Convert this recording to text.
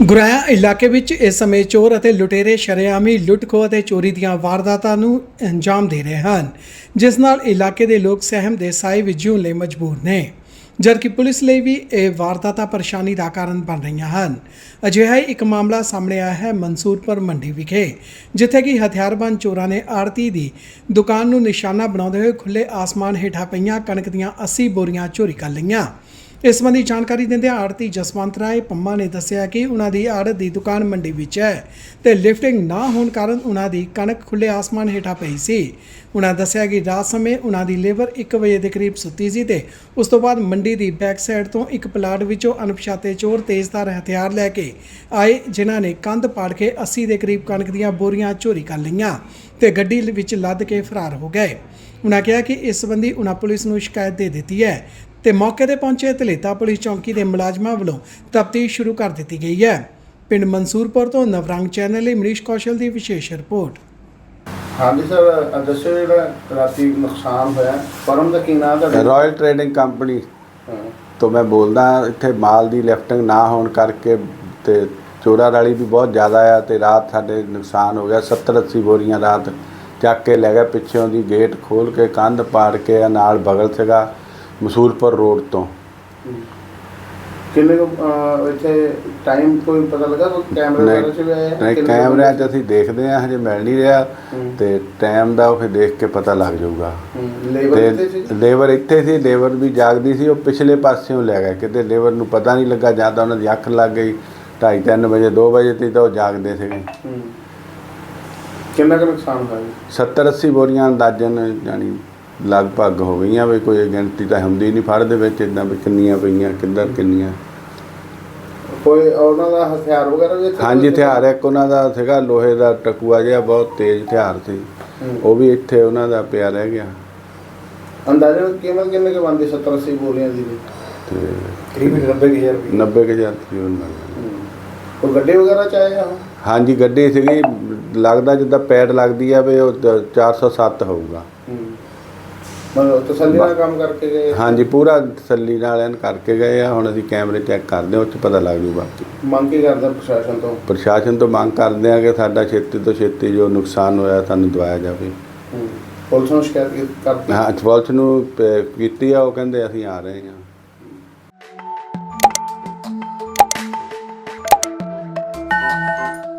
ਗੁਰਾਇਆ ਇਲਾਕੇ ਵਿੱਚ ਇਸ ਸਮੇਂ ਚੋਰ ਅਤੇ ਲੁਟੇਰੇ ਸ਼ਰੇਆਮੀ ਲੁੱਟ-ਖੋਹ ਅਤੇ ਚੋਰੀ ਦੀਆਂ ਵਾਰਦਾਤਾਂ ਨੂੰ ਅੰਜਾਮ ਦੇ ਰਹੇ ਹਨ, ਜਿਸ ਨਾਲ ਇਲਾਕੇ ਦੇ ਲੋਕ ਸਹਿਮ ਦੇ ਸਾਏ ਵਿੱਚ ਜਿਉਣ ਲਈ ਮਜਬੂਰ ਨੇ, ਜਦਕਿ ਪੁਲਿਸ ਲਈ ਵੀ ਇਹ ਵਾਰਦਾਤਾਂ ਪਰੇਸ਼ਾਨੀ ਦਾ ਕਾਰਨ ਬਣ ਰਹੀਆਂ ਹਨ। ਅਜਿਹਾ ਹੀ ਇੱਕ ਮਾਮਲਾ ਸਾਹਮਣੇ ਆਇਆ ਹੈ ਮਨਸੂਰਪੁਰ ਮੰਡੀ ਵਿਖੇ, ਜਿੱਥੇ ਕਿ ਹਥਿਆਰਬੰਦ ਚੋਰਾਂ ਨੇ ਆੜਤੀ ਦੀ ਦੁਕਾਨ ਨੂੰ ਨਿਸ਼ਾਨਾ ਬਣਾਉਂਦੇ ਹੋਏ ਖੁੱਲੇ ਆਸਮਾਨ ਹੇਠਾਂ ਪਈਆਂ ਕਣਕ ਦੀਆਂ 80 ਬੋਰੀਆਂ ਚੋਰੀ ਕਰ ਲਈਆਂ। ਇਸ ਸੰਬੰਧੀ ਜਾਣਕਾਰੀ ਦਿੰਦਿਆਂ ਆੜਤੀ ਜਸਵੰਤ ਰਾਏ ਪੰਮਾ ਨੇ ਦੱਸਿਆ ਕਿ ਉਹਨਾਂ ਦੀ ਆੜਤ ਦੀ ਦੁਕਾਨ ਮੰਡੀ ਵਿੱਚ ਹੈ ਤੇ ਲਿਫਟਿੰਗ ਨਾ ਹੋਣ ਕਾਰਨ ਉਹਨਾਂ ਦੀ ਕਣਕ ਖੁੱਲੇ ਆਸਮਾਨ ਹੇਠਾਂ ਪਈ ਸੀ। ਉਹਨਾਂ ਦੱਸਿਆ ਕਿ ਰਾਤ ਸਮੇਂ ਉਹਨਾਂ ਦੀ ਲੇਬਰ 1 ਵਜੇ ਦੇ ਕਰੀਬ ਸੁੱਤੀ ਸੀ ਤੇ ਉਸ ਤੋਂ ਬਾਅਦ ਮੰਡੀ ਦੀ ਬੈਕ ਸਾਈਡ ਤੋਂ ਇੱਕ ਪਲਾਟ ਵਿੱਚੋਂ ਅਣਪਛਾਤੇ ਚੋਰ ਤੇਜ਼ਧਾਰ ਹਥਿਆਰ ਲੈ ਕੇ ਆਏ, ਜਿਨ੍ਹਾਂ ਨੇ ਕੰਧ ਪਾੜ ਕੇ 80 ਦੇ ਕਰੀਬ ਕਣਕ ਦੀਆਂ ਬੋਰੀਆਂ ਚੋਰੀ ਕਰ ਲਈਆਂ ਤੇ ਗੱਡੀ ਵਿੱਚ ਲੱਦ ਕੇ ਫਰਾਰ ਹੋ ਗਏ। ਉਹਨਾਂ ਕਿਹਾ ਕਿ ਇਸ ਸੰਬੰਧੀ ਉਹਨਾਂ ਪੁਲਿਸ ਨੂੰ ਸ਼ਿਕਾਇਤ ਦੇ ਦਿੱਤੀ ਹੈ ਤੇ ਮੌਕੇ ਤੇ ਪਹੁੰਚੇ ਧਲੇਤਾ ਪੁਲਿਸ ਚੌਂਕੀ ਦੇ ਮੁਲਾਜ਼ਮਾਂ ਵੱਲੋਂ ਤਫਤੀਸ਼ ਸ਼ੁਰੂ ਕਰ ਦਿੱਤੀ ਗਈ ਹੈ। ਪਿੰਡ ਮਨਸੂਰਪੁਰ ਤੋਂ ਨਵਰੰਗ ਚੈਨਲ ਲਈ ਮਨੀਸ਼ ਕੌਸ਼ਲ ਦੀ ਵਿਸ਼ੇਸ਼ ਰਿਪੋर्ट। हाँ जी सर, दसो जो राती नुकसान होया फर्म का की नाम है? रॉयल ट्रेडिंग कंपनी तो मैं बोलदा इत्थे माल दी लिफ्टिंग ना होने करके ते चोरा वाली भी बहुत ज़्यादा आ ते रात साडे नुकसान हो गया। 70-80 बोरियां रात चक के लै गए, पिछों दी गेट खोल के कंध पाड़ के नाल बगल सीगा मसूरपुर रोड तो। किन्ने को इत्थे टाइम कोई पता लगा? कोई कैमरे वगैरह च भी आए? नहीं, कैमरे च असीं देखदे आ, हजे मिल नहीं रहा ते टाइम दा फिर देख के पता लग जाऊगा। लेबर इत्थे सी, लेबर भी जागदी सी, वो पिछले पासियों लै गए किते लेबर नूं पता नहीं लगा, जां तां उन्हां दी अख लग गई 2:30-3 बजे 2 बजे ती तां वो जागदे सीगे। किन्ना क नुकसान होया? 70-80 बोरियां अंदाजन जानी लगभग हो गई भी, कोई गिनती तो होंदी नहीं फड़ दे विच इदां भी किन्नियां पईयां किधर किन्नियां। कोई उन्हां दा हथियार वगैरह भी? हाँ जी, हथियार एक उन्हां दा सीगा लोहे दा टकुआ जिहा, बहुत तेज हथियार सी, वो भी इत्थे उन्हां दा पिया रह गया। अंदाजन कीमत किन्ने के बनदी 70-80 बोरियां दी? करीब 90,000 कोई गड्डी वगैरह च आया? हाँ जी, गड्डी सीगी, लगदा जिद्दां पैड लगदी आ भी, 407 होऊगा। मतलब तसल्ली नाल काम करके गए? हाँ जी, पूरा तसल्ली नाल एन करके गए आ। हुण असीं कैमरे चैक करदे, उस 'च पता लग जू। बाकी मंग की करदे प्रशासन तो? प्रशासन तो मंग करदे आ कि साडा छेती तो छेती जो नुकसान होया सानूं दवाया जावे। पुलिस नूं शिकायत करती? हाँ, पुलिस नूं कीती आ, वो कहंदे असीं आ रहे हां।